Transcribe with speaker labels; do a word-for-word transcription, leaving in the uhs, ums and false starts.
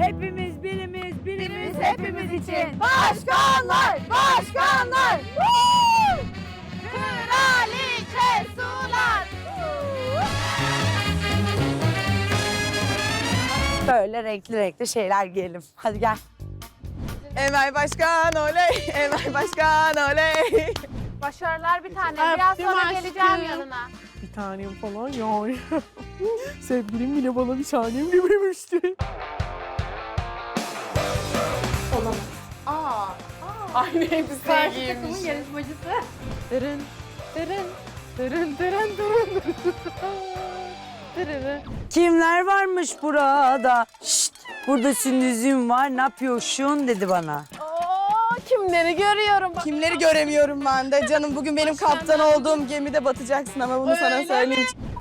Speaker 1: Hepimiz birimiz, birimiz hepimiz için. Başkanlar, başkanlar. Woo! Kraliçe sular. Böyle renkli renkli şeyler giyelim. Hadi gel.
Speaker 2: Emel Başkan oley, Emel Başkan oley.
Speaker 3: Başarılar bir tane. Biraz sonra geleceğim yanına.
Speaker 4: Bir tanem falan ya. Sevgilim bile bana bir tanem dememişti.
Speaker 3: Olamaz. Aa.
Speaker 4: Aynı elbise
Speaker 3: Karşı
Speaker 4: giymiş.
Speaker 3: takımın yarışmacısı.
Speaker 4: Dırın, dırın, dırın, dırın, dırın, dırın.
Speaker 1: Kimler varmış burada? Şşt, burada sündüzüm var. Ne yapıyorsun dedi bana.
Speaker 3: Oo, kimleri görüyorum.
Speaker 2: Kimleri göremiyorum ben de. Canım bugün benim kaptan olduğum gemide batacaksın ama bunu sana söyleyeyim.